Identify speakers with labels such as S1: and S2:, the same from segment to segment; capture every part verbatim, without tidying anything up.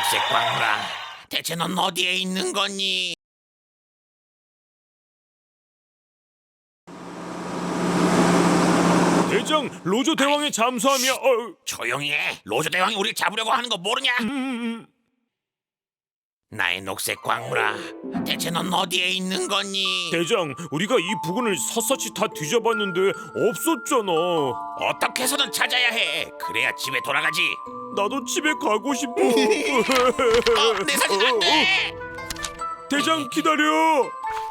S1: 녹색 광물아, 대체 넌 어디에 있는 거니?
S2: 대장, 로조 대왕의 잠수함이야. 어,
S1: 조용히 해. 로조 대왕이 우리 잡으려고 하는 거 모르냐?
S2: 음, 음.
S1: 나의 녹색 광물아, 대체 넌 어디에 있는 거니?
S2: 대장, 우리가 이 부근을 샅샅이 다 뒤져봤는데 없었잖아.
S1: 어떻게 해서든 찾아야 해. 그래야 집에 돌아가지.
S2: 나도 집에 가고 싶어.
S1: 어, 내 사진 안 돼.
S2: 대장, 기다려.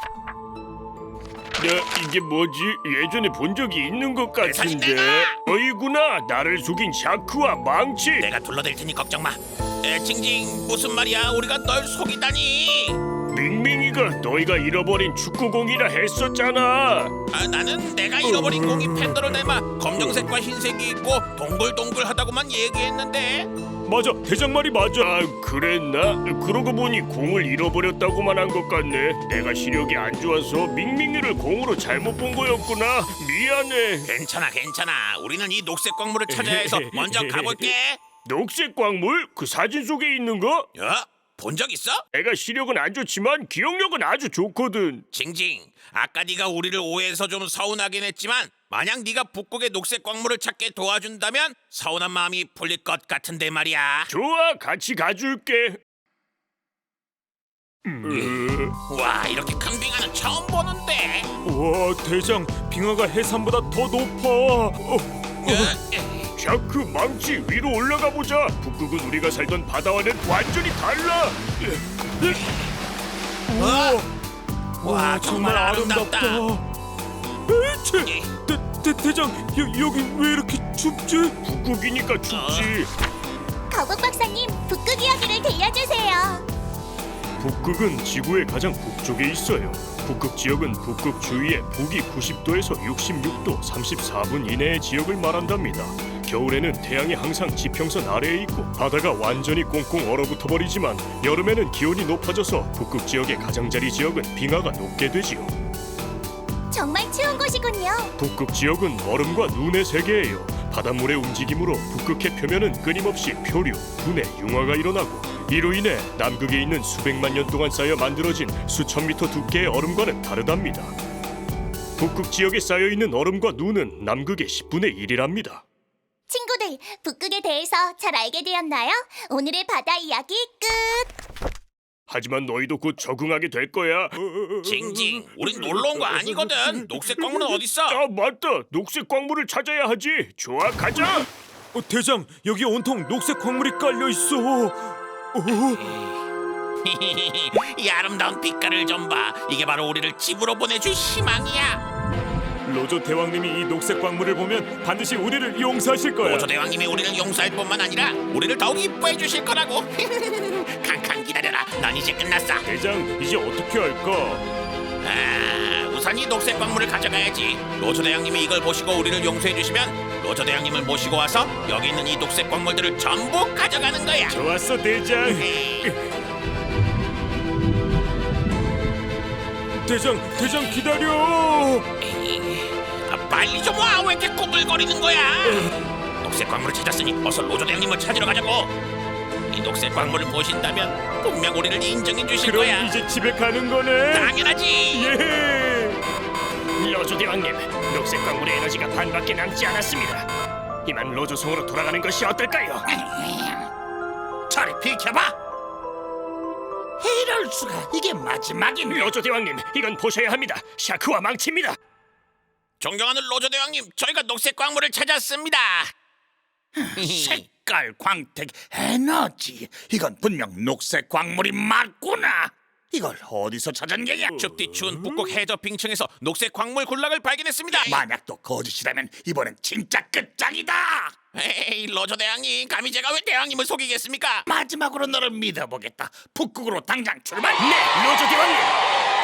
S2: 야, 이게 뭐지? 예전에 본 적이 있는 것
S1: 사진
S2: 같은데.
S1: 내놔!
S2: 어이구나, 나를 속인 샤크와 망치.
S1: 내가 둘러댈 테니 걱정 마. 에, 징징, 무슨 말이야? 우리가 널 속이다니.
S2: 밍밍이가 너희가 잃어버린 축구공이라 했었잖아.
S1: 아, 나는 내가 잃어버린 공이 팬더를 닮아 검정색과 흰색이 있고 동글동글하다고만 얘기했는데.
S2: 맞아, 대장 말이 맞아. 아, 그랬나? 그러고 보니 공을 잃어버렸다고만 한 것 같네. 내가 시력이 안 좋아서 밍밍이를 공으로 잘못 본 거였구나. 미안해.
S1: 괜찮아, 괜찮아. 우리는 이 녹색 광물을 찾아야 해서 먼저 가볼게.
S2: 녹색 광물? 그 사진 속에 있는 거?
S1: 야, 본 적 있어?
S2: 내가 시력은 안 좋지만 기억력은 아주 좋거든.
S1: 징징, 아까 네가 우리를 오해해서 좀 서운하긴 했지만 만약 네가 북극의 녹색 광물을 찾게 도와준다면 서운한 마음이 풀릴 것 같은데 말이야.
S2: 좋아, 같이 가줄게. 음.
S1: 와, 이렇게 큰 빙하는 처음 보는데.
S2: 와, 대장, 빙하가 해삼보다 더 높아. 어,
S1: 어,
S2: 샤크, 망치, 위로 올라가 보자. 북극은 우리가 살던 바다와는 완전히 달라. 우와,
S1: 와, 정말 아름답다.
S2: 에이치, 대, 대, 대장, 여, 여기 왜 이렇게 춥지? 북극이니까 춥지.
S3: 거북 박사님, 북극 이야기를 들려주세요.
S2: 북극은 지구의 가장 북쪽에 있어요. 북극 지역은 북극 주위의 북위 구십 도에서 육십육 도 삼십사 분 이내의 지역을 말한답니다. 겨울에는 태양이 항상 지평선 아래에 있고 바다가 완전히 꽁꽁 얼어붙어 버리지만 여름에는 기온이 높아져서 북극 지역의 가장자리 지역은 빙하가 녹게 되지요.
S3: 정말 추운 곳이군요.
S2: 북극 지역은 얼음과 눈의 세계예요. 바닷물의 움직임으로 북극해 표면은 끊임없이 표류, 분해, 융화가 일어나고 이로 인해 남극에 있는 수백만 년 동안 쌓여 만들어진 수천 미터 두께의 얼음과는 다르답니다. 북극 지역에 쌓여 있는 얼음과 눈은 남극의 십분의 일이랍니다.
S3: 친구들, 북극에 대해서 잘 알게 되었나요? 오늘의 바다 이야기 끝!
S2: 하지만 너희도 곧 적응하게 될 거야.
S1: 징징, 우린 놀러 온 거 아니거든. 녹색 광물은 어딨어?
S2: 아, 맞다. 녹색 광물을 찾아야 하지. 좋아, 가자. 어, 대장, 여기 온통 녹색 광물이 깔려 있어.
S1: 이 아름다운 빛깔을 좀 봐. 이게 바로 우리를 집으로 보내줄 희망이야.
S2: 로조 대왕님이 이 녹색 광물을 보면 반드시 우리를 용서하실 거야.
S1: 오조 대왕님이 우리를 용서할 뿐만 아니라 우리를 더욱 이뻐해 주실 거라고. 칸칸 기다려라. 난 이제 끝났어.
S2: 대장, 이제 어떻게 할까?
S1: 아, 우선 이 녹색 광물을 가져가야지. 로조 대왕님이 이걸 보시고 우리를 용서해 주시면 로조 대왕님을 모시고 와서 여기 있는 이 녹색 광물들을 전부 가져가는 거야.
S2: 좋았어, 대장. 대장, 대장 기다려.
S1: 아, 빨리 좀 와. 왜 이렇게 꾸불거리는 거야? 녹색 광물을 찾았으니 어서 로조 대왕님을 찾으러 가자고. 이 녹색 광물을 보신다면 분명 우리를 인정해 주실
S2: 그럼
S1: 거야.
S2: 이제 집에 가는 거네.
S1: 당연하지.
S2: 예.
S4: 로조 대왕님, 녹색 광물의 에너지가 반밖에 남지 않았습니다. 이만 로조성으로 돌아가는 것이 어떨까요?
S1: 저리 비켜봐. 이럴 수가. 이게 마지막입니다.
S4: 로조 대왕님, 이건 보셔야 합니다. 샤크와 망치입니다.
S1: 존경하는 로조 대왕님, 저희가 녹색 광물을 찾았습니다.
S5: 색깔, 광택, 에너지. 이건 분명 녹색 광물이 맞구나. 이걸 어디서 찾은 게야?
S1: 춥디 추운 북극 해저 빙층에서 녹색 광물 군락을 발견했습니다.
S5: 만약 또 거짓이라면 이번엔 진짜 끝장이다.
S1: 에이, 로조 대왕님, 감히 제가 왜 대왕님을 속이겠습니까?
S5: 마지막으로 너를 믿어보겠다. 북극으로 당장 출발.
S4: 네, 로조 대왕님.